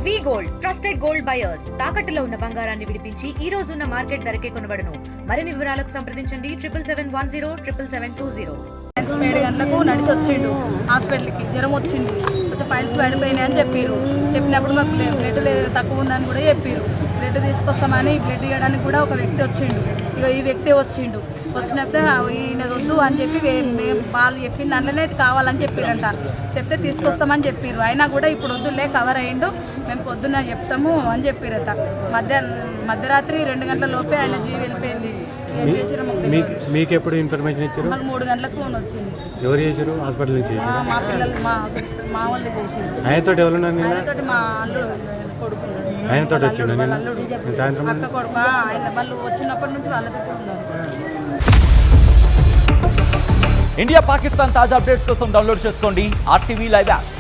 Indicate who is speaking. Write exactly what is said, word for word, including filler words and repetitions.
Speaker 1: వి gold trusted gold buyers తాకట్టులో ఉన్న బంగారాన్ని విడిపించి ఈ రోజు ఉన్న మార్కెట్ ధరకే కొనబడును. మరిన్ని వివరాలకు సంప్రదించండి triple seven one zero triple seven two zero.
Speaker 2: ఏడు గంటలకు నడిచి వచ్చిండు హాస్పిటల్కి, జ్వరం వచ్చింది, కొంచెం పైల్స్ పడిపోయినాయి అని చెప్పారు. చెప్పినప్పుడు మాకు బ్లడ్ తక్కువ ఉందని కూడా చెప్పారు. బ్లడ్ తీసుకొస్తామని బ్లడ్ ఇవ్వడానికి కూడా ఒక వ్యక్తి వచ్చిండు. ఇక ఈ వ్యక్తి వచ్చిండు. వచ్చినప్పుడు ఈయన వద్దు అని చెప్పి మేము వాళ్ళు చెప్పిన దాంట్లోనే కావాలని చెప్పారంట. చెప్తే తీసుకొస్తామని చెప్పారు. అయినా కూడా ఇప్పుడు వద్దులే కవర్ అయ్యిండు, మేము పొద్దున్న చెప్తాము అని చెప్పారట. మధ్యాహ్నం మధ్యరాత్రి రెండు గంటల లోపే ఆయన జీవి వెళ్ళిపోయింది. ఏం చేసారు
Speaker 3: మీకు ఎప్పుడు ఇన్ఫర్మేషన్ ఇచ్చారు?
Speaker 2: మాకు మూడు గంటలకు ఫోన్ వచ్చింది.
Speaker 3: ఎవరు చేశారు? హాస్పిటల్ నుంచి
Speaker 2: మా పిల్లలు మా మా వాళ్ళు చేసారు.
Speaker 3: ఆయనతో ఎవరున్నారు?
Speaker 2: ఆయనతోటి మా అల్లుడు కొడుకు
Speaker 3: ఆయనతో వచ్చిండు
Speaker 2: అల్లుడు
Speaker 3: సాయంత్రం
Speaker 2: అక్క కొడుకు ఆయన వాళ్ళు వచ్చినప్పటి నుంచి వాళ్ళతో ఉన్నారు.
Speaker 4: ఇండియా పాకిస్తాన్ తాజా అప్డేట్స్ కోసం డౌన్లోడ్ చేసుకోండి ఆర్టీవీ లైవ్ యాప్.